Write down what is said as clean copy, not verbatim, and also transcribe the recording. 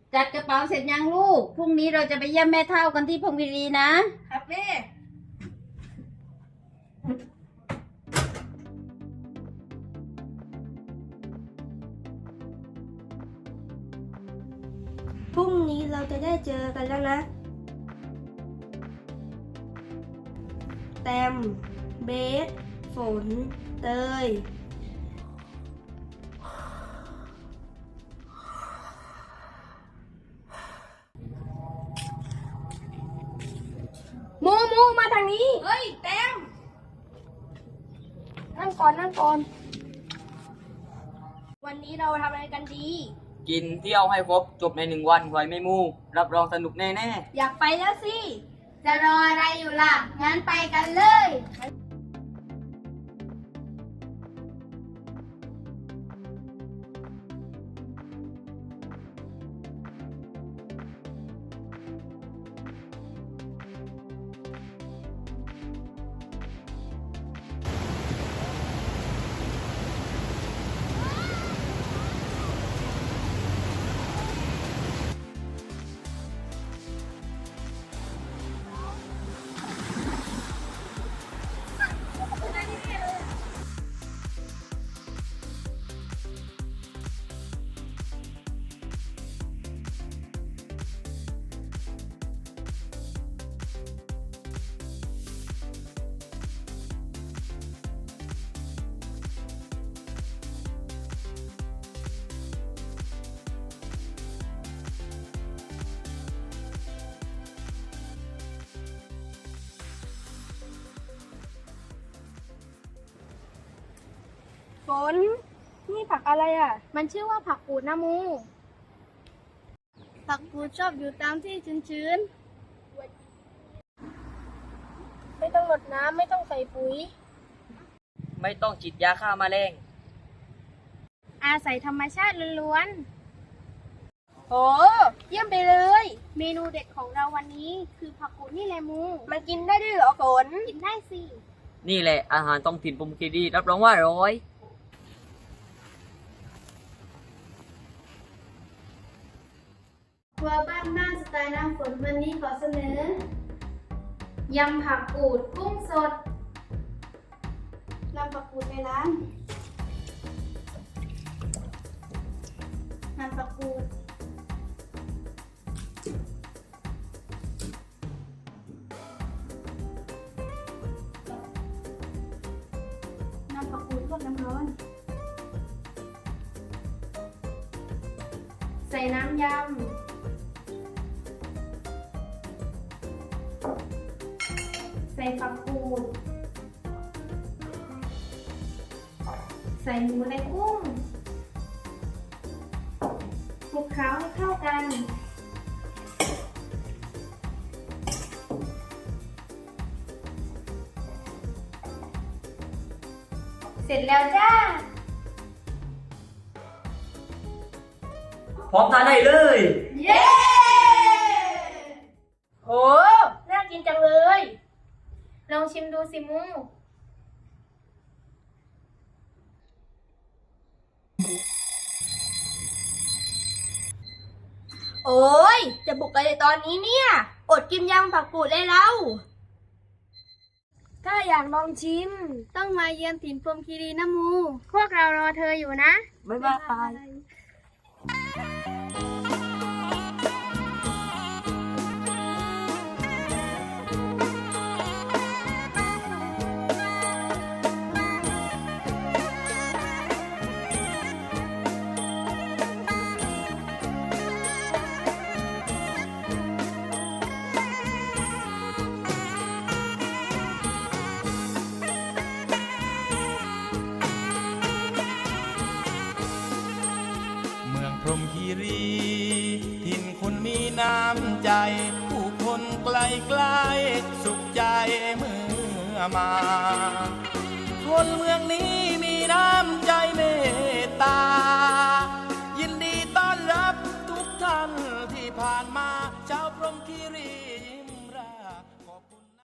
จัดกระเป๋าเสร็จยังลูกพรุ่งนี้เราจะไปเยี่ยมแม่เฒ่ากันที่พงศ์วีรีนะครับแม่พรุ่งนี้เราจะได้เจอกันแล้วนะแตมเบสฝนเตยมูมาทางนี้ เฮ้ยแตมนั่งก่อน วันนี้เราทำอะไรกันดีกินเที่ยวให้ครบจบใน1 วันไว้ไม่มูรับรองสนุกแน่อยากไปแล้วสิจะรออะไรอยู่ล่ะงั้นไปกันเลยฝนนี่ผักอะไรอ่ะมันชื่อว่าผักกูดนะมูผักกูดชอบอยู่ตามที่ชื้นไม่ต้องรดน้ำไม่ต้องใส่ปุ๋ยๆไม่ต้องฉีดยาฆ่าแมลงๆอาศัยธรรมชาติล้วนโอ้เยี่ยมไปเลยๆเมนูเด็ดของเราวันนี้คือผักกูดนี่แหละมูมันกินได้ด้วยเหรอฝนกินได้สินี่แหละอาหารท้องถิ่นพรหมคีรีรับรองว่าอร่อยครัวบ้านสไตล์น้ำฝนวันนี้ขอเสนอยำผักกูดกุ้งสดนำผักกูดไปล้างนำผักกูดนำผักกูดลวกน้ำร้อนใส่น้ำยำใส่ผักกูดใส่หมูในกุ้งคลุกเคล้าให้เข้ากันเสร็จแล้วจ้าพร้อมทานได้เลยเย้โห น่ากินจังเลยลองชิมดูสิมูโอ้ยจะบุกอะไรตอนนี้เนี่ย อดกินยำผักกูดเลยเราถ้าอยากลองชิมต้องมาเยือนถิ่นพรหมคีรีนะมู พวกเรารอเธออยู่นะบ๊ายบายเมืองพรหมคีรีถิ่นคนมีน้ำใจ ผู้คนไกลไกลสุขใจเมื่อมา คนเมืองนี้